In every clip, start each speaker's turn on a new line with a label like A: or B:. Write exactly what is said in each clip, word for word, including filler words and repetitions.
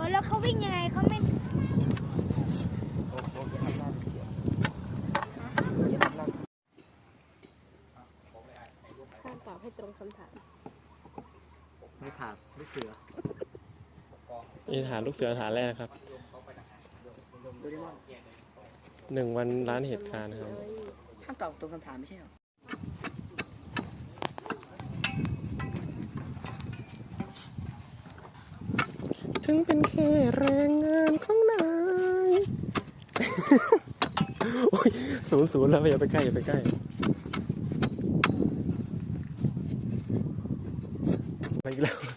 A: อแล้วเขาวิ่งยังไงเขาไม่
B: ห้ามตอบให้ตรงคำถาม
C: ไม่ถามลูกเสือ
D: นี่ฐานลูกเสือฐานแรกนะครับหนึ่งวันล้านเหตุการณ์นะครับ
C: ห้ามตอบตรงคำถามไม่ใช่หรอ
D: ถึงเป็นแค่แรงงานของนายโอ้ยศูนย์ศูนย์แล้วอย่าไปใกล้อย่าไปใกล้ไปอีกแล้ว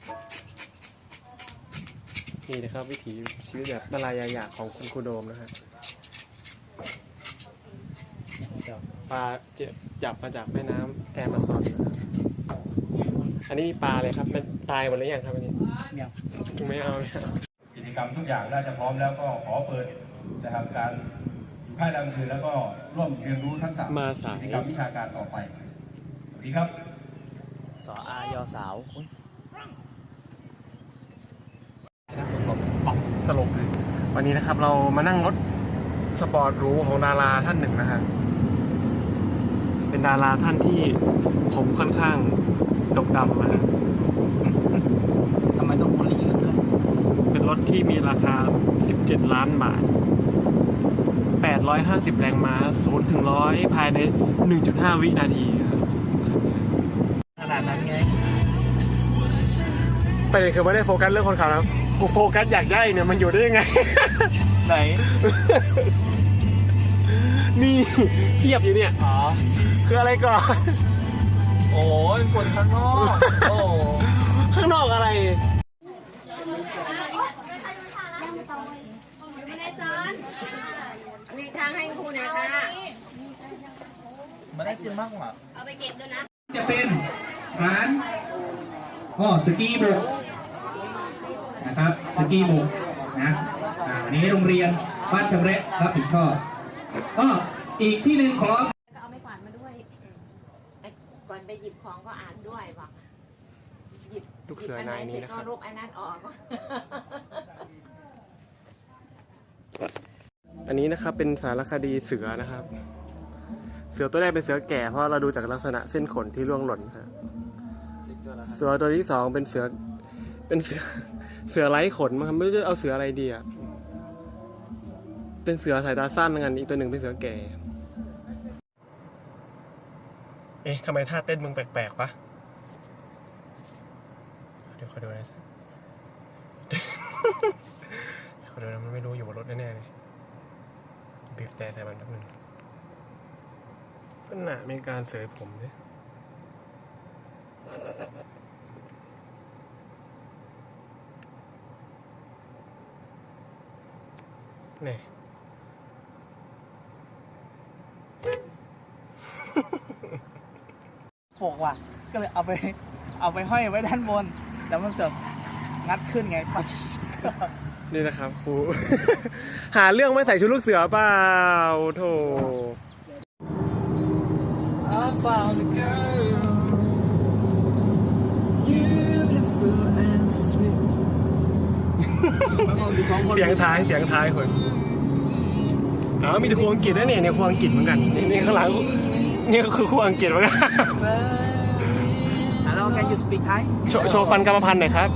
D: นี่นะครับวิถีชีวิตแบบมาลายายาของคุณครูโดมนะฮะปลาจับมาจากแม่น้ำแอมะซอนนะครับอันนี้ปลาเลยครับมันตายหมดหรือยังครับอันนี้ไม่เอาไม่เอา
E: กิจกรรมทุกอย่างน่าจะพร้อมแล้วก็ขอเปิดนะครับการอยู่ค่ายแรงคืนแล้วก็ร่วมเรียนรู้ทักษะกิจกรรมวิชาการต่อไปสวัสดีครับ
C: สออายอสาว
D: สลบเลยวันนี้นะครับเรามานั่งรถสปอร์ตหรูของดาราท่านหนึ่งนะฮะเป็นดาราท่านที่ผมค่อนข้างดกดำนะฮะ
C: ทำไมต้องบูลลี่กันด้วย
D: เป็นรถที่มีราคาสิบเจ็ดล้านบาทแปดร้อยห้าสิบแรงม้าศูนย์ถึงร้อยภายใน หนึ่งจุดห้า วินาที
C: ขนาดนั้นไง
D: ประเด็นคือไม่ได้โฟกัสเรื่องคนขับนะกูโฟกัสอยากได้เนี่ยมันอยู่ได้ยังไง
C: ไหน
D: นี่เทียบอยู่เนี่ย
C: อ๋อ
D: คืออะไรก่อน
C: โอ้ยคนข้างนอกโอ้
D: ข้างนอกอะไร
B: มีทางให้ครูหน่อยค่ะ
C: มันได้กินมากกว่า
B: เอาไปเก็บด้วยนะ
E: จะเป็นร้านก็สกีบกนะครับสกีบกนะอันนี้โรงเรียนบ้านจำเร็จรับผิดชอบก็อีกที่หนึ่งขอ
B: เอาไม้กวาดมาด้วยก่อนไปหยิบของก็อ่านด้วยบอกหยิบ
D: ลูกเสือนายนี้นะครับ
B: รูปไอ้นั่นออก
D: อันนี้นะครับเป็นสารคดีเสือนะครับเสือตัวแรกเป็นเสือแก่เพราะเราดูจากลักษณะเส้นขนที่ร่วงหล่นครับเสือตัวที่สองเป็นเสือเป็นเสือเสือไร้ขนมั้งครับไม่รู้จะเอาเสืออะไรดีอ่ะเป็นเสือสายตาสั้นงั้นอีกตัวหนึ่งเป็นเสือแก่เอ๊ะทำไมท่าเต้นมึงแปลกๆวะเดี๋ยวขอดูนะขอดูนะมันไม่รู้อยู่บนรถแน่ๆเลยบีบแต่ใส่มันแป๊บนึงขณะมีการเสยผมเนี่ยนี่
C: โปกว่ะก็เลยเอาไปเอาไปห้อยไว้ด้านบนแล้วมันเสริมงัดขึ้นไง
D: นี่นะครับครู หาเรื่องไม่ใส่ชุดลูกเสือเปล่าโธ่เสียงท้ายเสียงท้ายคนอ๋อมีแต่ครูอังกฤษนะเนี่ยเนี่ยครูอังกฤษเหมือนกันนี่ข้างหลังนี่ก็คือครูอังกฤษเหมือนกัน
C: แล้ว can you speak Thai
D: โชว์ฟันกรรมพันธุ์หน่อยครับ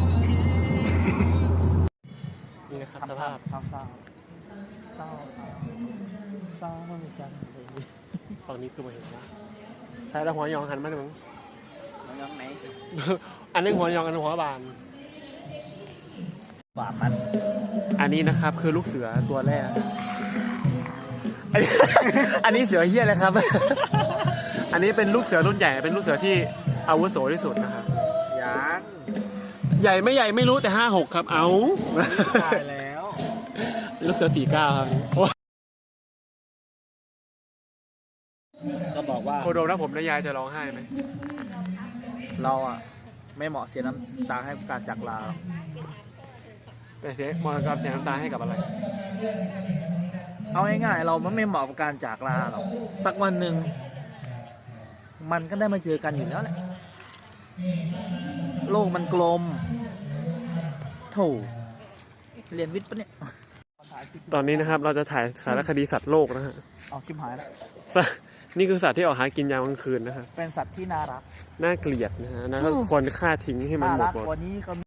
D: นี่นะครับสภาพ
C: เศร้าเศร้าเศร้าเศร้าเหมือนกัน
D: ฝั่งนี้คือมาเห็นนะสายตาหัวยองหันมาหนึ่ง
C: หัวยองไหน
D: อันนึงหัวยองอันนึงหัวบาน
C: บามัน
D: อันนี้นะครับคือลูกเสือตัวแรกอันนี้อันนี้เสือเหี้ยเลยครับอันนี้เป็นลูกเสือรุ่นใหญ่เป็นลูกเสือที่อาวุโสที่สุดนะครับ
C: ยัง
D: ใหญ่ไม่ใหญ่ไม่รู้แต่ห้าหกครับเอา
C: ตายแล้ว
D: ลูกเสือสี่เก้าครับ
C: ก็บอกว่า
D: โคโดมนะผมและยายจะร้องไห้ไหม
C: เราอ่ะไม่เหมาะเสียน้ำตาให้การจากลา
D: แต่เสียมรดกเสียน้ำตาให้กับอะไร
C: เอาง่ายๆเราไม่เหมาะกับการจากลาหรอกสักวันหนึ่งมันก็ได้มาเจอกันอยู่แล้วแหละโลกมันกลมโถเรียนวิทย์ปะเนี่ย
D: ตอนนี้นะครับเราจะถ่ายสารคดีสัตว์โลกนะฮะ
C: เอาชิมหายแล้ว
D: นี่คือสัตว์ที่ออกหากินยามกลางคืนนะครับ
C: เป็นสัตว์ที่น่ารัก
D: น่าเกลียดนะฮะนะก็ควรฆ่าทิ้งให้มัน
C: น่า
D: หมด
C: รัก
D: หมด
C: กว่านี้ก็